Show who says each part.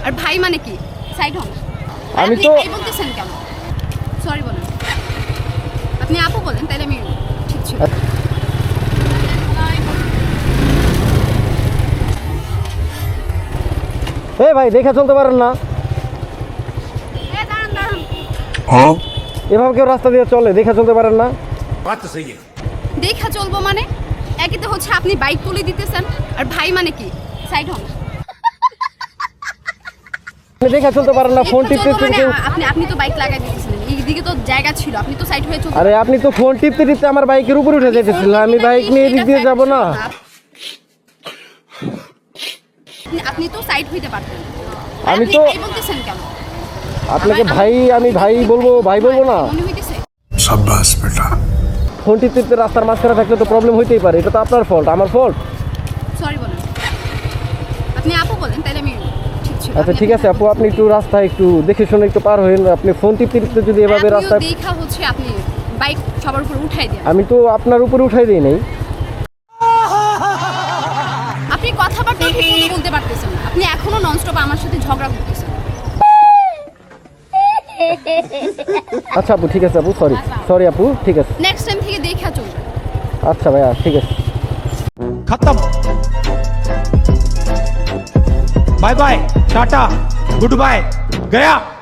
Speaker 1: আর ভাই মানে কি? সাইড হন।
Speaker 2: আমি
Speaker 1: আপনি
Speaker 2: তো
Speaker 1: ভাই বলতেছেন কেন? সরি বলেন। আপনি আপু বলেন তাহলে আমি ঠিক ছিল।
Speaker 2: ভাই দেখে চলতে পারেন না?
Speaker 1: দাঁড়ান দাঁড়ান।
Speaker 2: এভাবে কেউ রাস্তা দিয়ে চলে? দেখে চলতে পারেন না?
Speaker 1: দেখা চলবো মানে? একই তো হচ্ছে আপনি বাইক তুলে দিতেছেন আর ভাই মানে কি? সাইড হন।
Speaker 2: আপনি দেখে চলতে পারেন না? ফোন টিপতে
Speaker 1: মানে
Speaker 2: টিপতে
Speaker 1: আপনি তো বাইক লাগাই দিতেছিলেন, এইদিকে তো জায়গা ছিল, আপনি তো সাইড হয়ে চলতে।
Speaker 2: আরে আপনি তো ফোন টিপতে টিপতে আমার বাইকের উপরে উঠে যেতেছিলেন, আমি বাইক নিয়ে এদিক দিয়ে যাব না?
Speaker 1: আপনি তো সাইড হইতে পারতেন।
Speaker 2: আমি
Speaker 1: আপনি
Speaker 2: তো
Speaker 1: ভাই বলতেছেন কেন?
Speaker 2: আপনাকে ভাই, আমি ভাই বলবো, ভাই বলবো না?
Speaker 1: মনে হইতেছে
Speaker 3: शाबाश बेटा।
Speaker 2: ফোন টিপতে টিপতে রাস্তার মাঝখানে থাকলে তো প্রবলেম হইতেই পারে, এটা তো আপনার ফল্ট, আমার ফল্ট?
Speaker 1: সরি বলেন। আপনি আপু বলেন তাহলে আমি ঠিক ছিল।
Speaker 2: আচ্ছা ঠিক আছে আপু, আপনি একটু রাস্তায় একটু দেখে শুনে একটু পার হইন। আপনি ফোন টিপতে টিপতে যদি এভাবে রাস্তায়,
Speaker 1: দেখা হচ্ছে আপনি বাইক সবার উপর উঠাই দেন।
Speaker 2: আমি তো আপনার উপরে উঠাই দিই নাই।
Speaker 1: আপনি কথাবার্তা ঠিক মতো বলতে পারতেছেন না, আপনি এখনো ননস্টপ আমার সাথে ঝগড়া করতেছেন।
Speaker 2: আচ্ছা আপু ঠিক আছে আপু, সরি সরি আপু, ঠিক আছে।
Speaker 1: নেক্সট টাইম থেকে দেখা চলবে।
Speaker 2: আচ্ছা ভাইয়া ঠিক আছে।
Speaker 4: खत्म। Bye bye, tata, good bye, गया।